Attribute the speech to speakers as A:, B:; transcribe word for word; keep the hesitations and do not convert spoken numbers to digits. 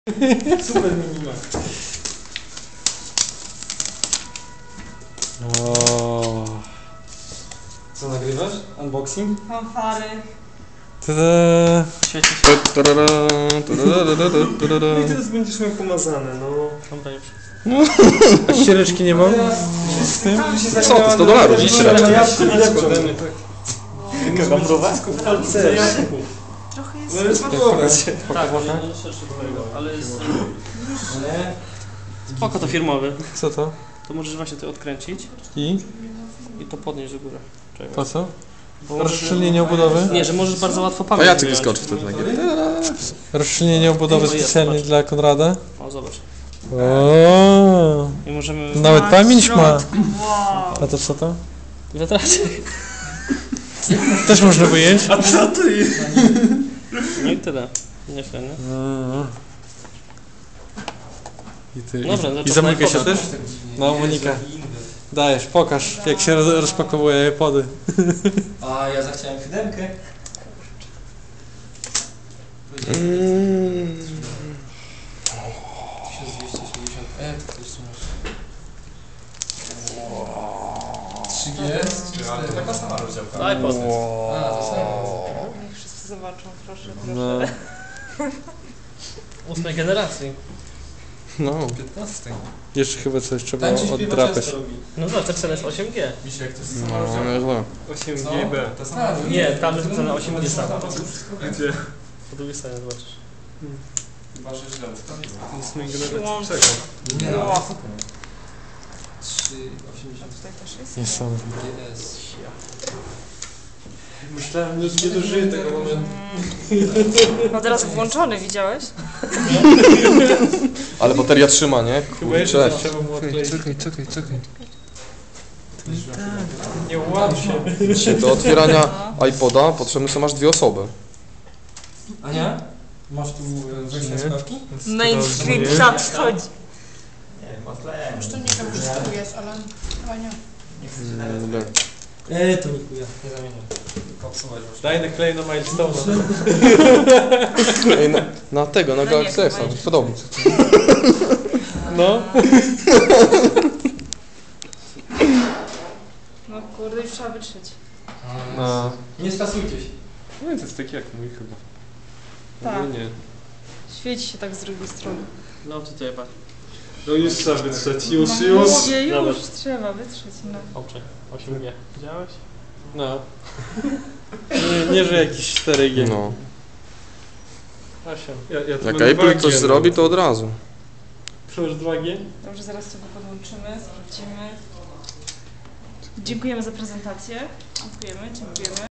A: Super minima.
B: O.
A: Co nagrywasz? Unboxing?
C: Fanfary.
B: Tada.
C: Świeci się.
A: No i teraz będziesz miał pomazane, no.
C: Dobra, już.
B: A ściereczki nie ma?
A: Z tym?
D: Co ty, sto dolarów, nie ściereczki.
C: Jaka mrowa?
A: Palce.
C: Trochę
A: No ale
C: jest...
A: spróbować.
C: Tak, nie szerszy do tego, ale jest...
A: Nie.
C: Spoko, to firmowy.
B: Co to?
C: To możesz właśnie to odkręcić
B: I?
C: i to podnieść do góry. Czekaj.
B: Po co?
C: Bo możesz-
B: Rozszczelnienie obudowy?
C: Nie, że możesz bardzo łatwo
D: A
C: pamięć
D: Jacek
C: wyjąć.
D: wyskoczy wtedy nagle.
B: Rozszczelnienie obudowy
C: No jest,
B: specjalnie
C: zobacz.
B: dla Konrada?
C: O, zobacz.
B: O.
C: I możemy...
B: Nawet pamięć ma.
C: Wow.
B: A to co to?
C: Wiatraczek.
B: Też można wyjąć?
A: A co to jest?
C: No i tyle. Nieźle, nie?
B: I ty.
C: Dobra,
B: I,
C: no
B: i
C: to
B: zamyka się
C: iPoda.
B: też? No, Monika. Dajesz, pokaż jak się roz- rozpakowuje iPody.
A: A ja zachciałem siódemkę. tysiąc dwieście sześćdziesiąt F, to jeszcze masz. trzy G? Ale to taka sama rozdziałka.
C: Daj potem.
A: A, to samo.
E: Niech wszyscy zobaczą, proszę,
B: No.
E: proszę.
C: Ósmej generacji.
B: No.
A: piętnaście.
B: Jeszcze chyba coś trzeba
A: Tańczy, śpiewa,
B: oddrapać.
A: często robi.
C: No zobacz, ten cel jest osiem G.
A: Misiek, to jest sama
D: No,
A: rozdziałka.
D: nieźle.
A: osiem G B. To sama
C: Nie, tam jest napisane osiem G sam.
A: Gdzie?
C: Po drugiej stronie zobaczysz.
A: Chyba, że źle.
B: Ósmej
E: generacji.
A: Czekaj. Nie, no,
E: Wow.
A: super. trzy osiemdziesiąt
E: Tutaj też jest?
B: Niesamowite.
A: G S.
B: Myślałem, że nie dożyję tego momentu.
E: No teraz włączony, widziałeś?
D: Ale bateria trzyma, nie?
B: Chyba jeszcze
D: Kurczę.
B: coś trzeba było odkleić.
D: Czekaj, czekaj, czekaj.
B: Nie łam się.
D: Dzisiaj do otwierania iPoda potrzebne są aż dwie osoby.
A: Ania? Masz tu wejście na słuchawki?
E: Mainstream nadchodzi.
F: Już to nie wiem, czy tu jest, ale chyba nie.
D: Dobra.
A: Eee, to nikuja, nie zamieniam. Popsuwać już.
B: Daj naklej na Milestone'a.
D: Ej, na, na tego, na
E: No
D: Galaxy
E: nie,
D: X,
E: chyba
D: mi się podoba.
B: No.
E: No kurde, już trzeba wytrzeć.
B: No.
A: Nie stresujcie się.
B: No i to jest taki jak mój chyba.
E: Tak.
B: No nie.
E: Świeci się tak z drugiej strony.
C: No tutaj patrz.
B: No już trzeba wytrzeć, już,
E: No
B: już.
E: mówię, już
C: Zobacz.
E: trzeba wytrzeć, no.
C: Oprze. osiem G. Widziałeś?
B: No. Nie, nie, że jakiś cztery G.
D: No.
C: osiem.
B: Ja, ja tu
D: Jak
B: mam
D: Apple
B: dwa
D: coś
B: G,
D: zrobi,
B: no.
D: to od razu.
B: Przełóż dwa G?
E: Dobrze, zaraz sobie podłączymy, sprawdzimy. Dziękujemy za prezentację. Dziękujemy, dziękujemy.